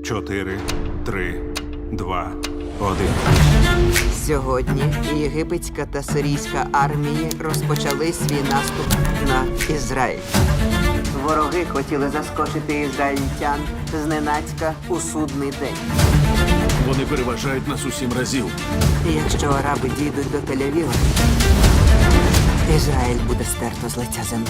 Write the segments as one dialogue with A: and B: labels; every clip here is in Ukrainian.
A: 4, 3, 2, 1.
B: Сьогодні єгипетська та сирійська армії розпочали свій наступ на Ізраїль. Вороги хотіли заскочити ізраїльтян зненацька у судний день.
C: Вони переважають нас у 7 разів.
B: І якщо араби дійдуть до Тель-Авіва, Ізраїль буде стерто з лиця землі.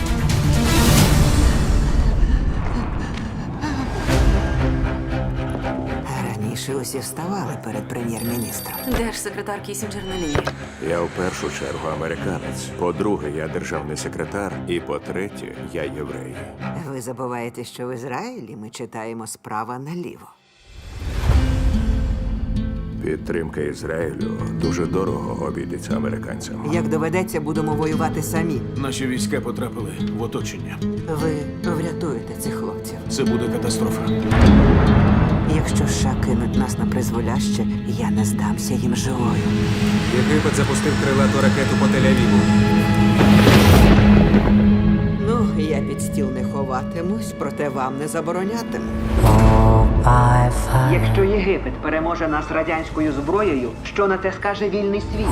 B: Раніше усі вставали перед прем'єр-міністром.
D: Держсекретар Кісінджер на лінії.
E: Я в першу чергу американець. По-друге, я державний секретар. І по-третє, я єврей.
B: Ви забуваєте, що в Ізраїлі ми читаємо справа наліво.
E: Підтримка Ізраїлю дуже дорого обійдеться американцям.
B: Як доведеться, будемо воювати самі.
C: Наші війська потрапили в оточення.
B: Ви врятуєте цих хлопців.
C: Це буде катастрофа.
B: Якщо США кинуть нас на призволяще, я не здамся їм живою.
F: Єгипет запустив крилату ракету по Тель-Авіву.
B: Ну, я під стіл не ховатимусь, проте вам не заборонятиму. Якщо Єгипет переможе нас радянською зброєю, що на те скаже вільний світ?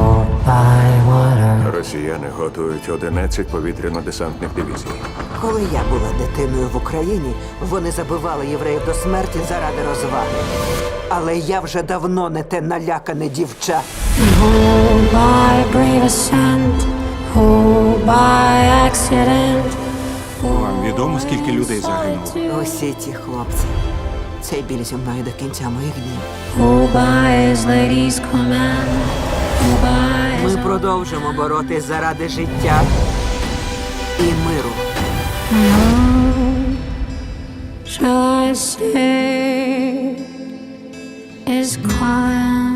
E: Росіяни готують 11 повітряно-десантних дивізій.
B: Коли я була дитиною в Україні, вони забивали євреїв до смерті заради розваги. Але я вже давно не те налякане дівча.
G: Oh, by brave ascent, oh, by accident.
A: Вам відомо, скільки людей загинуло?
B: Усі ті хлопці. Цей біль зі мною до кінця моїх днів.
G: Oh, by his lady's command, oh, by his
B: Ми продовжимо боротись заради життя і миру.
G: shall I say is calling.